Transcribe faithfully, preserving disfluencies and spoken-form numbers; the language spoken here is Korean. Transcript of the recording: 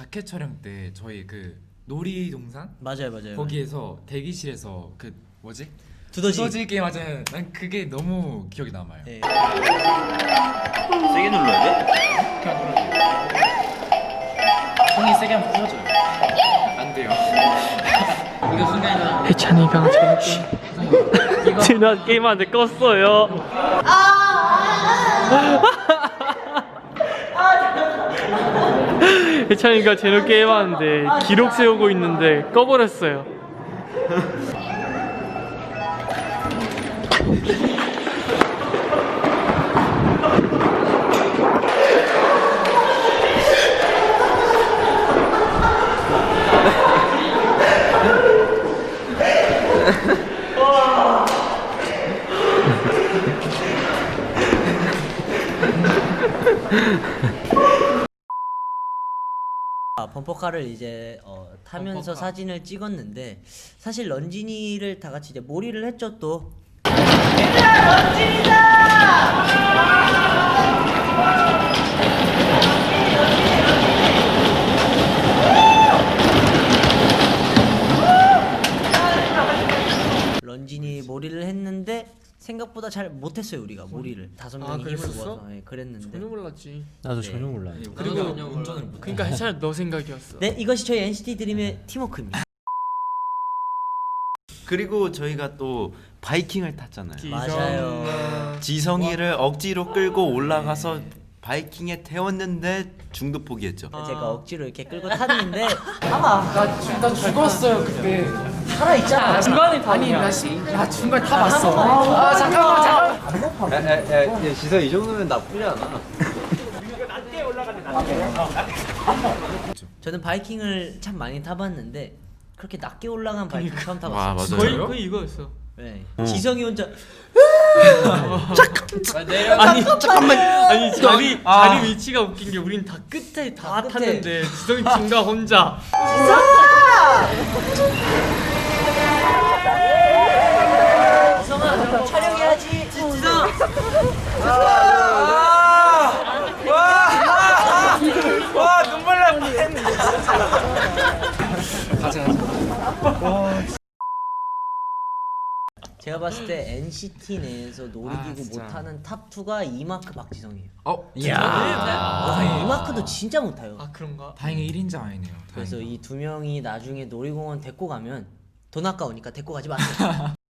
자켓 촬영 때 저희 그 놀이동산 맞아요, 맞아요. 거기에서 대기실에서 그 뭐지? 두더지. 두더지 게임 하잖아요. 난 그게 너무 기억이 남아요. 네. 세게 눌러야 돼? 그냥 눌러요. 손이 세게 하면 부서져요. 안 돼요. 이거 순간이동. 해찬이가 저렇게 지난 게임한테 껐어요. 해찬이가 제노 게임하는데 기록 세우고 있는데 꺼버렸어요. 아, 범퍼카를 이제 어, 타면서 범퍼카. 사진을 찍었는데 사실 런쥔이를 다 같이 이제 몰이를 했죠 또. 런쥔이 몰이를 했는데 생각보다 잘 못했어요 우리가 몰이를 다섯 아, 명이 힘을 그랬었어? 모아서 예, 그랬는데. 전혀 몰랐지. 나도 네. 전혀 몰라. 그리고 운전을 못. 그러니까 해찬이 너 생각이었어. 네, 이것이 저희 엔시티 드림의 팀워크입니다. 그리고 저희가 또 바이킹을 탔잖아요. 맞아요. 지성이를 억지로 끌고 올라가서 바이킹에 태웠는데 중도 포기했죠. 제가 억지로 이렇게 끌고 탔는데 아마 나, 주, 나 죽었어요 그때. 살아 있잖아. 중간에 아니 나 시, 나 중간 다 봤어. 아 잠깐만 잠깐만. 야야야 지성 이 정도면 나쁘지 않아. 저는 바이킹을 참 많이 타봤는데 그렇게 낮게 올라간 바이킹 처음 와, 타봤어요. 맞아요. 거의 거의 이거였어. 네. 지성이 혼자 아니 잠깐만. 아니 자리 아. 자리 위치가 웃긴 게 우린 다 끝에 다 다 끝에. 탔는데 지성이 중간 혼자. 지성아 촬영해야지. 지성. 와 눈물 날 뻔했네. 가자 가자. 제가 봤을 때 엔시티 내에서 아, 놀이기구 진짜. 못하는 탑 투가 이마크 박지성이에요. 어. 아, 이마크도 진짜 못해요. 아 그런가? 다행히 일 인자 아니네요. 그래서 다행이다. 이 두 명이 나중에 놀이공원 데리고 가면 돈 아까우니까 데리고 가지 마세요.